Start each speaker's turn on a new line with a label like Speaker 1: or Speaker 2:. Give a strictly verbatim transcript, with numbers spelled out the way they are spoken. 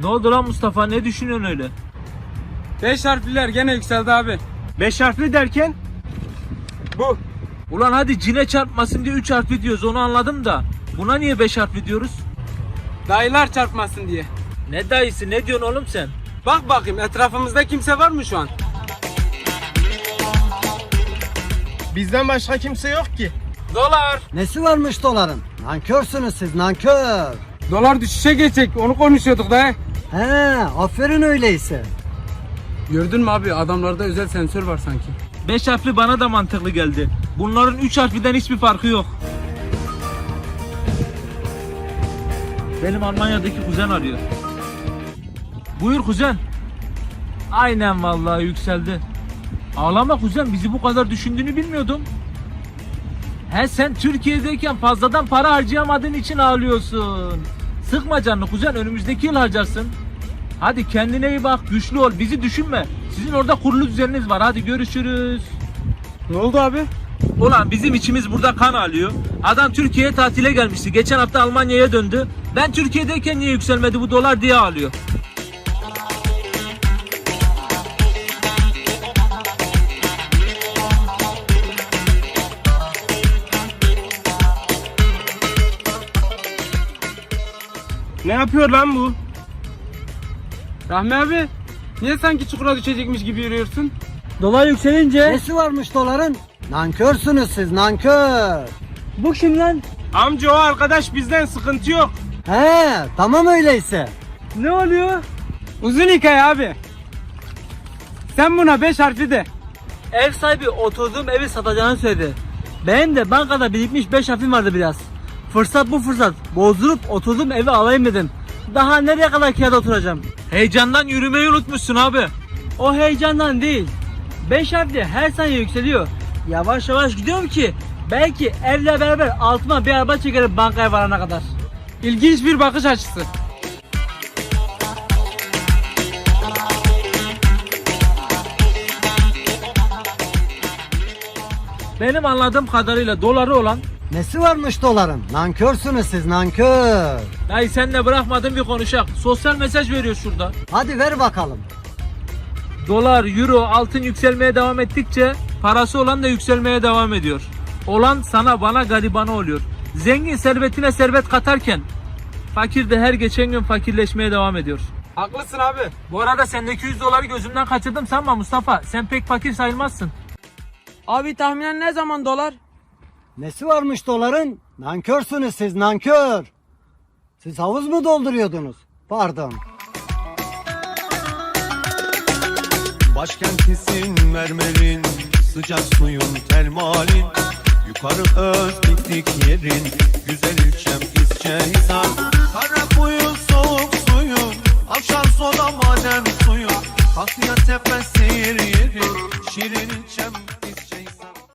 Speaker 1: Ne oldu lan Mustafa, ne düşünüyorsun öyle?
Speaker 2: Beş harfliler gene yükseldi abi.
Speaker 3: Beş harfli derken?
Speaker 2: Bu.
Speaker 1: Ulan hadi cine çarpmasın diye üç harfli diyoruz, onu anladım da buna niye beş harfli diyoruz?
Speaker 2: Dayılar çarpmasın diye.
Speaker 1: Ne dayısı, ne diyorsun oğlum sen?
Speaker 2: Bak bakayım etrafımızda kimse var mı şu an?
Speaker 3: Bizden başka kimse yok ki.
Speaker 2: Dolar.
Speaker 4: Nesi varmış doların? Nankörsünüz siz, nankör.
Speaker 2: Dolar düşüşe geçecek, onu konuşuyorduk da.
Speaker 4: He, aferin öyleyse.
Speaker 2: Gördün mü abi, adamlarda özel sensör var sanki.
Speaker 1: Beş harfli bana da mantıklı geldi. Bunların üç harfliden hiçbir farkı yok. Benim Almanya'daki kuzen arıyor. Buyur kuzen. Aynen vallahi yükseldi. Ağlama kuzen, bizi bu kadar düşündüğünü bilmiyordum. He, sen Türkiye'deyken fazladan para harcayamadığın için ağlıyorsun. Sıkma canını kuzen, önümüzdeki yıl harcarsın. Hadi kendine iyi bak, güçlü ol, bizi düşünme. Sizin orada kurulu düzeniniz var, hadi görüşürüz.
Speaker 2: Ne oldu abi?
Speaker 1: Ulan bizim içimiz burada kan ağlıyor. Adam Türkiye'ye tatile gelmişti. Geçen hafta Almanya'ya döndü. Ben Türkiye'deyken niye yükselmedi bu dolar diye ağlıyor.
Speaker 3: Ne yapıyor lan bu?
Speaker 2: Rahmi abi, niye sanki çukura düşecekmiş gibi yürüyorsun?
Speaker 5: Dolar yükselince
Speaker 4: Nesi varmış doların? Nankörsünüz siz, nankör.
Speaker 5: bu kim lan?
Speaker 3: Amca o arkadaş bizden, sıkıntı yok.
Speaker 4: He, tamam öyleyse.
Speaker 5: Ne oluyor?
Speaker 2: Uzun hikaye abi. Sen buna beş harfli de.
Speaker 5: Ev sahibi oturduğum evi satacağını söyledi. Benim de bankada birikmiş beş harfim vardı biraz. Fırsat bu fırsat. Bozdurup oturduğum evi alayım dedim. Daha nereye kadar kirada oturacağım?
Speaker 1: Heyecandan yürümeyi unutmuşsun abi.
Speaker 5: O heyecandan değil. beş harfli her saniye yükseliyor. Yavaş yavaş gidiyorum ki belki evle beraber altıma bir araba çekerim bankaya varana kadar.
Speaker 2: İlginç bir bakış açısı.
Speaker 1: Benim anladığım kadarıyla doları olan...
Speaker 4: Nesi varmış doların? Nankörsünüz siz, nankör.
Speaker 1: Dayı senle bırakmadım bir konuşak. Sosyal mesaj veriyor şurada.
Speaker 4: Hadi ver bakalım.
Speaker 1: Dolar, euro, altın yükselmeye devam ettikçe parası olan da yükselmeye devam ediyor. Olan sana bana garibana oluyor. Zengin servetine servet katarken fakir de her geçen gün fakirleşmeye devam ediyor.
Speaker 2: Haklısın abi.
Speaker 1: Bu arada sendeki yüz doları gözümden kaçırdım sanma Mustafa. Sen pek fakir sayılmazsın.
Speaker 2: Abi tahminen ne zaman dolar?
Speaker 4: Nesi varmış doların? Nankörsünüz siz, nankör. Siz havuz mu dolduruyordunuz? Pardon.
Speaker 6: Başkentisin mermerin, sıcak suyun termalin. Yukarı öz piknik yerin, güzel ilçem İzcehisar. Kara kuyu soğuk